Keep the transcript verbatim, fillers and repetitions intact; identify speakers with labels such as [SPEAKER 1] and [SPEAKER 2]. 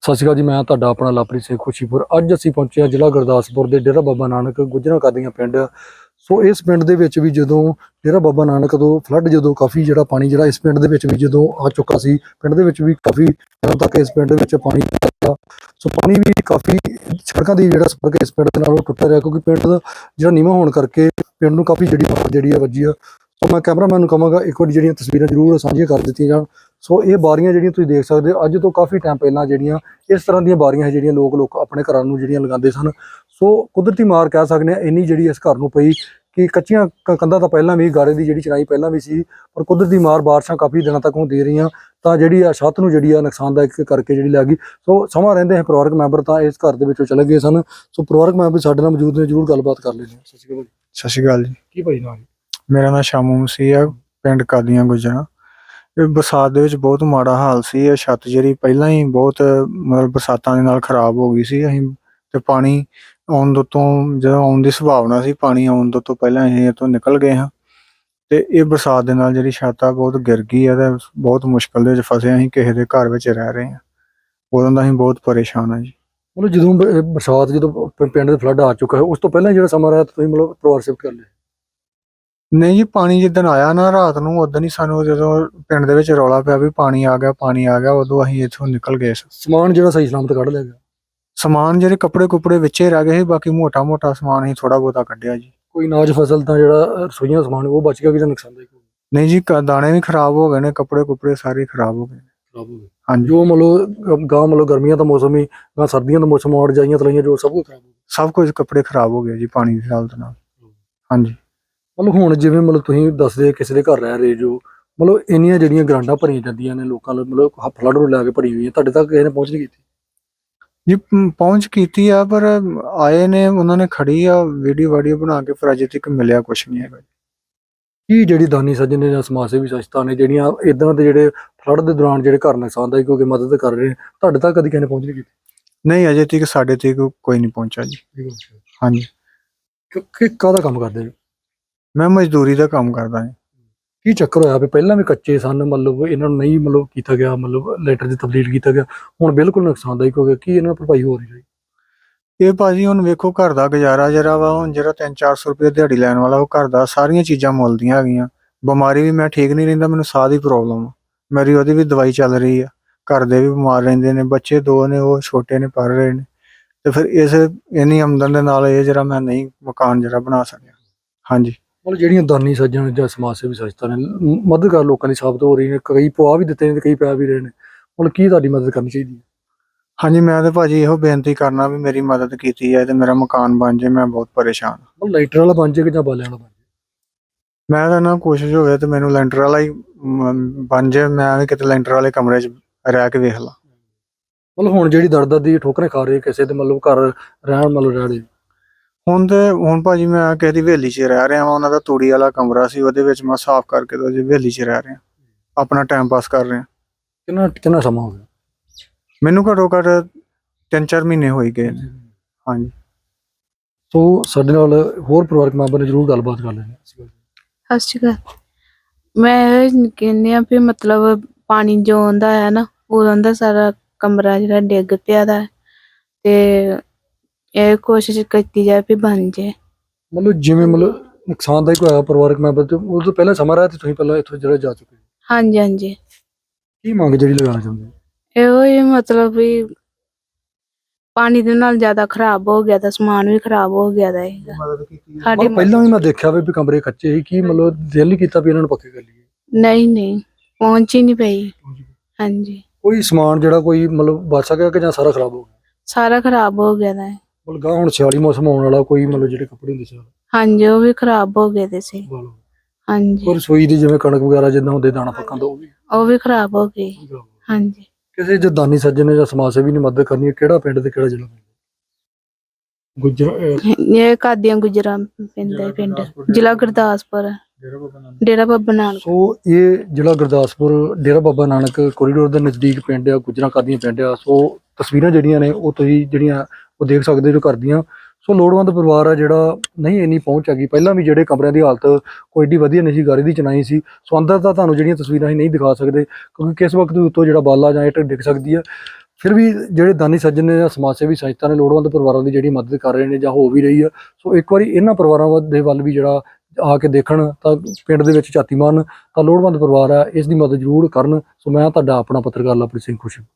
[SPEAKER 1] ਸਤਿ ਸ਼੍ਰੀ ਅਕਾਲ ਜੀ। ਮੈਂ ਤੁਹਾਡਾ ਆਪਣਾ ਲਵਪ੍ਰੀਤ ਸਿੰਘ ਖੁਸ਼ੀਪੁਰ। ਅੱਜ ਅਸੀਂ ਪਹੁੰਚੇ ਹਾਂ ਜ਼ਿਲ੍ਹਾ ਗੁਰਦਾਸਪੁਰ ਦੇ ਡੇਰਾ ਬਾਬਾ ਨਾਨਕ ਗੁੱਜਰਾਂ ਕਾਦੀਆਂ ਪਿੰਡ। ਸੋ ਇਸ ਪਿੰਡ ਦੇ ਵਿੱਚ ਵੀ ਜਦੋਂ ਡੇਰਾ ਬਾਬਾ ਨਾਨਕ ਤੋਂ ਫਲੱਡ ਜਦੋਂ ਕਾਫੀ ਜਿਹੜਾ ਪਾਣੀ ਜਿਹੜਾ ਇਸ ਪਿੰਡ ਦੇ ਵਿੱਚ ਵੀ ਜਦੋਂ ਆ ਚੁੱਕਾ ਸੀ, ਪਿੰਡ ਦੇ ਵਿੱਚ ਵੀ ਕਾਫੀ ਦਿਨਾਂ ਤੱਕ ਇਸ ਪਿੰਡ ਦੇ ਵਿੱਚ ਪਾਣੀ ਆਇਆ। ਸੋ ਪਾਣੀ ਵੀ ਕਾਫੀ ਸੜਕਾਂ ਦੀ ਜਿਹੜਾ ਸੰਪਰਕ ਇਸ ਪਿੰਡ ਦੇ ਨਾਲ ਉਹ ਟੁੱਟਿਆ ਰਿਹਾ, ਕਿਉਂਕਿ ਪਿੰਡ ਦਾ ਜਿਹੜਾ ਨੀਵਾਂ ਹੋਣ ਕਰਕੇ ਪਿੰਡ ਨੂੰ ਕਾਫੀ ਜਿਹੜੀ ਮਾਰ ਜਿਹੜੀ ਆ ਵੱਜੀ ਆ। ਸੋ ਮੈਂ ਕੈਮਰਾਮੈਨ ਨੂੰ ਕਹਾਂਗਾ ਇੱਕ ਵਾਰੀ ਜਿਹੜੀਆਂ ਤਸਵੀਰਾਂ ਜ਼ਰੂਰ ਸਾਂਝੀਆਂ ਕਰ ਦਿੱਤੀਆਂ ਜਾਣ। ਸੋ ਇਹ ਬਾਰੀਆਂ ਜਿਹੜੀਆਂ ਤੁਸੀਂ ਦੇਖ ਸਕਦੇ ਹੋ, ਅੱਜ ਤੋਂ ਕਾਫੀ ਟਾਈਮ ਪਹਿਲਾਂ ਜਿਹੜੀਆਂ ਇਸ ਤਰ੍ਹਾਂ ਦੀਆਂ ਬਾਰੀਆਂ ਹੈ ਜਿਹੜੀਆਂ ਲੋਕ ਲੋਕ ਆਪਣੇ ਘਰਾਂ ਨੂੰ ਜਿਹੜੀਆਂ ਲਗਾਉਂਦੇ ਸਨ। ਸੋ ਕੁਦਰਤੀ ਮਾਰ ਕਹਿ ਸਕਦੇ ਹਾਂ ਇੰਨੀ ਜਿਹੜੀ ਇਸ ਘਰ ਨੂੰ ਪਈ ਕਿ ਕੱਚੀਆਂ ਕੰਧਾਂ ਤਾਂ ਪਹਿਲਾਂ ਵੀ ਗਾਰੇ ਦੀ ਜਿਹੜੀ ਚਿਣਾਈ ਪਹਿਲਾਂ ਵੀ ਸੀ, ਪਰ ਕੁਦਰਤੀ ਮਾਰ ਬਾਰਿਸ਼ਾਂ ਕਾਫੀ ਦਿਨਾਂ ਤੱਕ ਹੁੰਦੀ ਰਹੀਆਂ ਤਾਂ ਜਿਹੜੀ ਆ ਛੱਤ ਨੂੰ ਜਿਹੜੀ ਆ ਨੁਕਸਾਨਦਾਇਕ ਕਰਕੇ ਜਿਹੜੀ ਲੱਗ ਗਈ। ਸੋ ਸਮਾਂ ਰਹਿੰਦੇ ਹੈ ਪਰਿਵਾਰਕ ਮੈਂਬਰ ਤਾਂ ਇਸ ਘਰ ਦੇ ਵਿੱਚੋਂ ਚਲੇ ਗਏ ਸਨ। ਸੋ ਪਰਿਵਾਰਕ ਮੈਂਬਰ ਸਾਡੇ ਨਾਲ ਮੌਜੂਦ ਨੇ, ਜ਼ਰੂਰ ਗੱਲਬਾਤ ਕਰ ਲੈਂਦੇ ਹਾਂ। ਸਤਿ ਸ਼੍ਰੀ ਅਕਾਲ।
[SPEAKER 2] ਸਤਿ ਸ਼੍ਰੀ ਅਕਾਲ ਜੀ।
[SPEAKER 1] ਕੀ ਭਾਈ ਨਾਲ?
[SPEAKER 2] ਮੇਰਾ ਨਾਮ ਸ਼ਾਮੂ ਮਸੀਹ ਆ, ਪਿੰਡ ਕਾਦੀਆਂ ਗੁੱਜਰਾਂ। ਇਹ ਬਰਸਾਤ ਦੇ ਵਿੱਚ ਬਹੁਤ ਮਾੜਾ ਹਾਲ ਸੀ। ਇਹ ਛੱਤ ਜਿਹੜੀ ਪਹਿਲਾਂ ਹੀ ਬਹੁਤ ਮਤਲਬ ਬਰਸਾਤਾਂ ਦੇ ਨਾਲ ਖਰਾਬ ਹੋ ਗਈ ਸੀ। ਅਸੀਂ ਤੇ ਪਾਣੀ ਆਉਣ ਤੋਂ ਤੋਂ ਜਦੋਂ ਆਉਣ ਦੀ ਸੰਭਾਵਨਾ ਸੀ, ਪਾਣੀ ਆਉਣ ਤੋਂ ਤੋਂ ਪਹਿਲਾਂ ਅਸੀਂ ਇਹ ਤੋਂ ਨਿਕਲ ਗਏ ਹਾਂ। ਤੇ ਇਹ ਬਰਸਾਤ ਦੇ ਨਾਲ ਜਿਹੜੀ ਛੱਤ ਆ ਬਹੁਤ ਗਿਰ ਗਈ ਆ ਤੇ ਬਹੁਤ ਮੁਸ਼ਕਲ ਦੇ ਵਿੱਚ ਫਸੇ। ਅਸੀਂ ਕਿਸੇ ਦੇ ਘਰ ਵਿੱਚ ਰਹਿ ਰਹੇ ਹਾਂ, ਉਦੋਂ ਦਾ ਅਸੀਂ ਬਹੁਤ ਪਰੇਸ਼ਾਨ ਹਾਂ ਜੀ।
[SPEAKER 1] ਮਤਲਬ ਜਦੋਂ ਬ- ਬਰਸਾਤ ਜਦੋਂ ਪ- ਪਿੰਡ ਦੇ ਫਲੱਡ ਆ ਚੁੱਕਾ ਹੈ, ਉਸ ਤੋਂ ਪਹਿਲਾਂ ਜਿਹੜਾ ਸਮਾਂ ਰਿਹਾ ਤੁਸੀਂ ਮਤਲਬ ਪਰਿਵਾਰ ਸ਼ਿਫਟ ਕਰ ਲਿਆ?
[SPEAKER 2] ਨਹੀਂ ਜੀ, ਪਾਣੀ ਜਿੱਦਣ ਆਇਆ ਨਾ ਰਾਤ ਨੂੰ, ਉਦੋਂ ਹੀ ਸਾਨੂੰ ਜਦੋਂ ਪਿੰਡ ਦੇ ਵਿੱਚ ਰੌਲਾ ਪਿਆ ਵੀ ਪਾਣੀ ਆ ਗਿਆ ਪਾਣੀ ਆ ਗਿਆ, ਉਦੋਂ ਅਸੀਂ ਇੱਥੋਂ ਨਿਕਲ ਗਏ ਸੀ।
[SPEAKER 1] ਸਮਾਨ ਜਿਹੜਾ ਸਹੀ ਸਲਾਮਤ ਕੱਢ ਲਿਆ ਗਿਆ?
[SPEAKER 2] ਸਮਾਨ ਜਿਹੜੇ ਕੱਪੜੇ ਕੁਪੜੇ ਵਿੱਚੇ ਰਹਿ ਗਏ ਸੀ, ਬਾਕੀ ਮੋਟਾ ਮੋਟਾ ਸਮਾਨ ਅਸੀਂ ਥੋੜਾ ਬਹੁਤਾ ਕੱਢਿਆ ਜੀ।
[SPEAKER 1] ਕੋਈ ਅਨਾਜ ਫਸਲ ਤਾਂ ਜਿਹੜਾ ਰਸੋਈਆਂ ਦਾ ਸਮਾਨ ਉਹ ਬਚ ਗਿਆ ਕਿ ਜਾਂ ਨੁਕਸਾਨਦਾਇਕ ਹੋ ਗਿਆ?
[SPEAKER 2] ਨਹੀਂ ਜੀ, ਕ- ਦਾਣੇ ਵੀ ਖਰਾਬ ਹੋ ਗਏ ਨੇ, ਕੱਪੜੇ ਕੁਪੜੇ ਸਾਰੇ ਖਰਾਬ ਹੋ ਗਏ ਨੇ।
[SPEAKER 1] ਖਰਾਬ ਹੋ ਗਏ।
[SPEAKER 2] ਹਾਂਜੀ,
[SPEAKER 1] ਜੋ ਮਤਲਬ ਗਾਂ ਮਤਲਬ ਗਰਮੀਆਂ ਦਾ ਮੌਸਮ ਹੀ ਗਾਂ ਸਰਦੀਆਂ ਦਾ ਮੌਸਮ ਆਉਣ ਜਾਈਆਂ ਤਲਾਈਆਂ ਜੋ ਸਭ ਕੁਝ ਖਰਾਬ ਹੋ ਗਿਆ।
[SPEAKER 2] ਸਭ ਕੁਝ ਕੱਪੜੇ ਖਰਾਬ ਹੋ ਗਏ ਜੀ ਪਾਣੀ ਦੀ ਹਾਲਤ ਨਾਲ। ਹਾਂਜੀ,
[SPEAKER 1] ਮਤਲਬ ਹੁਣ ਜਿਵੇਂ ਮਤਲਬ ਤੁਸੀਂ ਦੱਸਦੇ ਕਿਸੇ ਦੇ ਘਰ ਰਹਿ ਰਹੇ ਜੋ, ਮਤਲਬ ਇੰਨੀਆਂ ਜਿਹੜੀਆਂ ਗਰਾਂਡਾਂ ਭਰੀਆਂ ਜਾਂਦੀਆਂ ਨੇ ਲੋਕਾਂ ਨੂੰ, ਮਤਲਬ ਫਲੱਡ ਨੂੰ ਲੈ ਕੇ ਭਰੀ ਹੋਈਆਂ, ਤੁਹਾਡੇ ਤੱਕ ਕਿਸੇ ਨੇ ਪਹੁੰਚ ਨਹੀਂ ਕੀਤੀ?
[SPEAKER 2] ਜੀ ਪ- ਪਹੁੰਚ ਕੀਤੀ ਆ, ਪਰ ਆਏ ਨੇ, ਉਹਨਾਂ ਨੇ ਖੜੀ ਆ ਵੀਡੀਓ ਵਾਡੀਓ ਬਣਾ ਕੇ, ਪਰ ਅਜੇ ਤੱਕ ਮਿਲਿਆ ਕੁਛ ਨਹੀਂ ਹੈਗਾ।
[SPEAKER 1] ਕੀ ਜਿਹੜੀ ਦਾਨੀ ਸੱਜਣ ਨੇ ਜਾਂ ਸਮਾਜ ਸੇਵੀ ਸੰਸਥਾ ਨੇ ਜਿਹੜੀਆਂ ਇਦਾਂ ਦੇ ਜਿਹੜੇ ਫਲੱਡ ਦੇ ਦੌਰਾਨ ਜਿਹੜੇ ਘਰ ਨੁਕਸਾਨਦਾਇਕ ਹੋ ਕੇ ਮਦਦ ਕਰ ਰਹੇ ਨੇ, ਤੁਹਾਡੇ ਤੱਕ ਕਦੀ ਕਿਸੇ ਨੇ ਪਹੁੰਚ ਨਹੀਂ ਕੀਤੀ?
[SPEAKER 2] ਨਹੀਂ, ਅਜੇ ਤੱਕ ਸਾਡੇ ਤੱਕ ਕੋਈ ਨਹੀਂ ਪਹੁੰਚਾ ਜੀ। ਹਾਂਜੀ,
[SPEAKER 1] ਕਿ ਕਿ ਕਾਹਦਾ ਕੰਮ ਕਰਦੇ ਨੇ?
[SPEAKER 2] ਮੈਂ ਮਜ਼ਦੂਰੀ ਦਾ ਕੰਮ ਕਰਦਾ ਹਾਂ।
[SPEAKER 1] ਕੀ ਚੱਕਰ ਹੋਇਆ ਵੀ ਪਹਿਲਾਂ ਵੀ ਕੱਚੇ ਸਨ, ਮਤਲਬ ਇਹਨਾਂ ਨੂੰ ਨਹੀਂ ਮਤਲਬ ਕੀਤਾ ਗਿਆ, ਮਤਲਬ ਲੈਟਰ ਦੀ ਤਬਦੀਲ ਕੀਤਾ ਗਿਆ, ਹੁਣ ਬਿਲਕੁਲ ਨੁਕਸਾਨਦਾਇਕ ਹੋ ਗਿਆ, ਕੀ ਇਹਨਾਂ ਨੂੰ ਭਰਪਾਈ ਹੋ ਰਹੀ ਹੈ?
[SPEAKER 2] ਇਹ ਭਾਜੀ ਹੁਣ ਵੇਖੋ, ਘਰ ਦਾ ਗੁਜ਼ਾਰਾ ਜਿਹੜਾ ਵਾ, ਹੁਣ ਜਿਹੜਾ ਤਿੰਨ ਚਾਰ ਸੌ ਰੁਪਏ ਦਿਹਾੜੀ ਲੈਣ ਵਾਲਾ, ਉਹ ਘਰ ਦਾ ਸਾਰੀਆਂ ਚੀਜ਼ਾਂ ਮੁੱਲ ਦੀਆਂ ਹੈਗੀਆਂ। ਬਿਮਾਰੀ ਵੀ, ਮੈਂ ਠੀਕ ਨਹੀਂ ਰਹਿੰਦਾ, ਮੈਨੂੰ ਸਾਹ ਦੀ ਪ੍ਰੋਬਲਮ ਆ, ਮੇਰੀ ਉਹਦੀ ਵੀ ਦਵਾਈ ਚੱਲ ਰਹੀ ਆ। ਘਰ ਦੇ ਵੀ ਬਿਮਾਰ ਰਹਿੰਦੇ ਨੇ, ਬੱਚੇ ਦੋ ਨੇ ਉਹ ਛੋਟੇ ਨੇ, ਪੜ੍ਹ ਰਹੇ ਨੇ। ਤੇ ਫਿਰ ਇਸ ਇੰਨੀ ਆਮਦਨ ਦੇ ਨਾਲ ਇਹ ਜਿਹੜਾ ਮੈਂ ਨਹੀਂ ਮਕਾਨ ਜਿਹੜਾ ਬਣਾ ਸਕਿਆ। ਹਾਂਜੀ,
[SPEAKER 1] ਮਤਲਬ ਜਿਹੜੀਆਂ ਦਾਨੀ ਸੱਜਣ ਜਾਂ ਸਮਾਜ ਸੇਵੀ ਸੰਸਥਾ ਨੇ ਮ- ਮਦਦਗਾਰ ਲੋਕਾਂ ਦੀ ਸਾਬਤ ਹੋ ਰਹੀ ਨੇ, ਕਈ ਪਵਾ ਵੀ ਦਿੱਤੇ ਨੇ ਤੇ ਕਈ ਪੈ ਵੀ ਰਹੇ ਨੇ, ਮਤਲਬ ਕੀ ਤੁਹਾਡੀ ਮਦਦ ਕਰਨੀ ਚਾਹੀਦੀ ਹੈ?
[SPEAKER 2] ਹਾਂਜੀ, ਮੈਂ ਤਾਂ ਭਾਜੀ ਇਹੋ ਬੇਨਤੀ ਕਰਨਾ ਵੀ ਮੇਰੀ ਮਦਦ ਕੀਤੀ ਹੈ ਤੇ ਮੇਰਾ ਮਕਾਨ ਬਣ ਜਾਏ। ਮੈਂ ਬਹੁਤ ਪਰੇਸ਼ਾਨ ਹਾਂ।
[SPEAKER 1] ਮਤਲਬ ਲਾਈਟਰ ਵਾਲਾ ਬਣ ਜਾਏ ਕਿ ਜਾਂ ਬਾਲਿਆਂ ਵਾਲਾ ਬਣ ਜਾਏ?
[SPEAKER 2] ਮੈਂ ਤਾਂ ਨਾ ਕੋਸ਼ਿਸ਼ ਹੋਵੇ ਤੇ ਮੈਨੂੰ ਲੈਂਟਰ ਵਾਲਾ ਹੀ ਮ, ਬਣ ਜਾਏ। ਮੈਂ ਵੀ ਕਿਤੇ ਲੈਂਟਰ ਵਾਲੇ ਕਮਰੇ 'ਚ ਰਹਿ ਕੇ ਵੇਖ ਲਾਂ।
[SPEAKER 1] ਮਤਲਬ ਹੁਣ ਜਿਹੜੀ ਦਰ ਦਰ ਦੀ ਠੋਕਰੇ ਖਾ ਰਹੇ ਕਿਸੇ ਦੇ ਮਤਲਬ ਘਰ ਰਹਿਣ ਮਤਲਬ ਰਹਿ ਰਹੇ?
[SPEAKER 2] ਹੁਣ ਤੇ ਹੁਣ ਭਾਜੀ ਮੈਂ ਕਿਸੇ ਦੀ ਹਵੇਲੀ 'ਚ ਰਹਿ ਰਿਹਾ ਵਾਂ। ਉਹਨਾਂ ਦਾ ਤੂੜੀ ਵਾਲਾ ਕਮਰਾ ਸੀ, ਉਹਦੇ ਵਿੱਚ ਮੈਂ ਸਾਫ਼ ਕਰਕੇ ਤੇ ਉਹਦੀ ਹਵੇਲੀ 'ਚ ਰਹਿ ਰਿਹਾ, ਆਪਣਾ ਟਾਈਮ ਪਾਸ ਕਰ ਰਿਹਾ।
[SPEAKER 1] ਕਿੰਨਾ ਕਿੰਨਾ ਸਮਾਂ ਹੋ ਗਿਆ?
[SPEAKER 2] ਮੈਨੂੰ ਘੱਟੋ ਘੱਟ ਤਿੰਨ ਚਾਰ ਮਹੀਨੇ ਹੋ ਹੀ ਗਏ ਨੇ। ਹਾਂਜੀ,
[SPEAKER 1] ਸੋ ਸਾਡੇ ਨਾਲ ਹੋਰ ਪਰਿਵਾਰਕ ਮੈਂਬਰ ਨੇ ਜ਼ਰੂਰ ਗੱਲਬਾਤ ਕਰ ਲੈਣੀ।
[SPEAKER 3] ਸਤਿ ਸ਼੍ਰੀ ਅਕਾਲ। ਮੈਂ ਇਹ ਕਹਿੰਦੀ ਆ ਵੀ ਮਤਲਬ ਪਾਣੀ ਜੋ ਆਉਂਦਾ ਹੈ ਨਾ, ਉਦੋਂ ਦਾ ਸਾਰਾ ਕਮਰਾ ਜਿਹੜਾ ਡਿੱਗ ਪਿਆ ਦਾ ਹੈ ਤੇ ਇਹ ਕੋਸ਼ਿਸ਼ ਕੀਤੀ ਜਾਏ ਵੀ ਬਣ ਜਾਏ।
[SPEAKER 1] ਮਤਲਬ ਜਿਵੇਂ ਮਤਲਬ ਨੁਕਸਾਨਦਾਇਕ ਹੋਇਆ ਪਰਿਵਾਰਕ ਮੈਂਬਰ ਤੇ ਉਹ ਤੋਂ ਪਹਿਲਾਂ ਸਮਾਂ ਰਿਹਾ ਤੇ ਤੁਸੀਂ ਪਹਿਲਾਂ ਇੱਥੋਂ ਜਿਹੜਾ ਜਾ ਚੁੱਕੇ ਹੋ।
[SPEAKER 3] ਹਾਂਜੀ ਹਾਂਜੀ,
[SPEAKER 1] ਕੀ ਮੰਗ ਜਿਹੜੀ ਲਗਾਉਣਾ ਚਾਹੁੰਦੇ ਹੋ?
[SPEAKER 3] ਇਹੋ ਹੀ ਮਤਲਬ ਵੀ ਪਾਣੀ ਦੇ ਨਾਲ ਜ਼ਿਆਦਾ ਖਰਾਬ ਹੋ ਗਿਆ ਤਾਂ ਸਮਾਨ ਵੀ ਖਰਾਬ ਹੋ ਗਿਆ ਦਾ ਹੈਗਾ।
[SPEAKER 2] ਮਦਦ ਕੀਤੀ
[SPEAKER 3] ਸਾਡੀ
[SPEAKER 1] ਮਤਲਬ ਪਹਿਲਾਂ ਵੀ ਮੈਂ ਦੇਖਿਆ ਵੀ ਵੀ ਕਮਰੇ ਕੱਚੇ ਸੀ, ਕੀ ਮਤਲਬ ਦਿਲ ਨਹੀਂ ਕੀਤਾ ਵੀ ਇਹਨਾਂ ਨੂੰ ਪੱਕੇ ਕਰ ਲਈਏ?
[SPEAKER 3] ਨਹੀਂ ਨਹੀਂ, ਪਹੁੰਚ ਹੀ ਨਹੀਂ ਪਈ। ਹਾਂਜੀ,
[SPEAKER 1] ਕੋਈ ਸਮਾਨ ਜਿਹੜਾ ਕੋਈ ਮਤਲਬ ਬਚ ਸਕਿਆ ਕਿ ਜਾਂ ਸਾਰਾ ਖਰਾਬ ਹੋ ਗਿਆ?
[SPEAKER 3] ਸਾਰਾ ਖਰਾਬ ਹੋ ਗਿਆ ਦਾ ਹੈ।
[SPEAKER 1] ਮਤਲਬ ਗਾਂ ਹੁਣ ਸਿਆਲੀ ਮੌਸਮ ਆਉਣ ਵਾਲਾ, ਕੋਈ ਮਤਲਬ ਜਿਹੜੇ ਕੱਪੜੇ ਹੁੰਦੇ ਸੀ
[SPEAKER 3] ਹਾਂਜੀ, ਉਹ ਵੀ ਖਰਾਬ ਹੋ ਗਏ ਦੇ ਸੀ। ਹਾਂਜੀ,
[SPEAKER 1] ਔਰ ਰਸੋਈ ਦੀ ਜਿਵੇਂ ਕਣਕ ਵਗੈਰਾ ਜਿੱਦਾਂ ਹੁੰਦੇ ਦਾਣਾ ਪੱਕਾਂ ਦਾ ਉਹ ਵੀ
[SPEAKER 3] ਉਹ ਵੀ ਖਰਾਬ ਹੋ ਗਈ। ਹਾਂਜੀ,
[SPEAKER 1] ਕਿਸੇ ਜੇ ਦਾਨੀ ਸੱਜਣ ਨੇ ਜਾਂ ਸਮਾਜ ਸੇਵੀ ਨੇ ਮਦਦ ਕਰਨੀ ਹੈ, ਕਿਹੜਾ ਪਿੰਡ ਤੇ ਕਿਹੜਾ ਜ਼ਿਲ੍ਹਾ? ਗੁੱਜਰ
[SPEAKER 3] ਇਹ ਕਾਦੀਆਂ ਗੁਜਰਾਂ ਪੈਂਦਾ ਹੈ ਪਿੰਡ, ਜ਼ਿਲ੍ਹਾ ਗੁਰਦਾਸਪੁਰ, ਡੇਰਾ ਬਾਬਾ ਨਾਨਕ।
[SPEAKER 1] ਸੋ ਇਹ ਜ਼ਿਲ੍ਹਾ ਗੁਰਦਾਸਪੁਰ ਡੇਰਾ ਬਾਬਾ ਨਾਨਕ ਕੋਰੀਡੋਰ ਦੇ ਨਜ਼ਦੀਕ ਪਿੰਡ ਆ, ਗੁੱਜਰਾਂ ਕਾਦੀਆਂ ਪਿੰਡ ਆ। ਸੋ ਤਸਵੀਰਾਂ ਜਿਹੜੀਆਂ ਨੇ ਉਹ ਤੁਸੀਂ ਜਿਹੜੀਆਂ ਉਹ ਦੇਖ ਸਕਦੇ ਜੋ ਕਰਦੀਆਂ। ਸੋ ਲੋੜਵੰਦ ਪਰਿਵਾਰ ਆ ਜਿਹੜਾ ਨਹੀਂ ਇੰਨੀ ਪਹੁੰਚ ਹੈਗੀ। ਪਹਿਲਾਂ ਵੀ ਜਿਹੜੇ ਕਮਰਿਆਂ ਦੀ ਹਾਲਤ ਕੋਈ ਏਡੀ ਵਧੀਆ ਨਹੀਂ ਸੀ, ਗਾਰੇ ਦੀ ਚਿਣਾਈ ਸੀ। ਸੋ ਅੰਦਰ ਤਾਂ ਤੁਹਾਨੂੰ ਜਿਹੜੀਆਂ ਤਸਵੀਰਾਂ ਅਸੀਂ ਨਹੀਂ ਦਿਖਾ ਸਕਦੇ, ਕਿਉਂਕਿ ਕਿਸ ਵਕਤ ਉੱਤੋਂ ਜਿਹੜਾ ਬਾਲਾ ਜਾਂ ਇੱਟ ਡਿੱਗ ਸਕਦੀ ਹੈ। ਫਿਰ ਵੀ ਜਿਹੜੇ ਦਾਨੀ ਸੱਜਣ ਨੇ ਜਾਂ ਸਮਾਜ ਸੇਵੀ ਸੰਸਥਾ ਨੇ ਲੋੜਵੰਦ ਪਰਿਵਾਰਾਂ ਦੀ ਜਿਹੜੀ ਮਦਦ ਕਰ ਰਹੇ ਨੇ ਜਾਂ ਹੋ ਵੀ ਰਹੀ ਆ। ਸੋ ਇੱਕ ਵਾਰੀ ਇਹਨਾਂ ਪਰਿਵਾਰਾਂ ਵੱਲ- ਦੇ ਵੱਲ ਵੀ ਜਿਹੜਾ ਆ ਕੇ ਦੇਖਣ ਤਾਂ ਪਿੰਡ ਦੇ ਵਿੱਚ ਝਾਤੀ ਮਾਰਨ ਤਾਂ ਲੋੜਵੰਦ ਪਰਿਵਾਰ ਆ, ਇਸ ਦੀ ਮਦਦ ਜ਼ਰੂਰ ਕਰਨ। ਸੋ ਮੈਂ ਤੁਹਾਡਾ ਆਪਣਾ ਪੱਤਰਕਾਰ ਲਵਪ੍ਰੀਤ ਸਿੰਘ ਖੁਸ਼ੀ।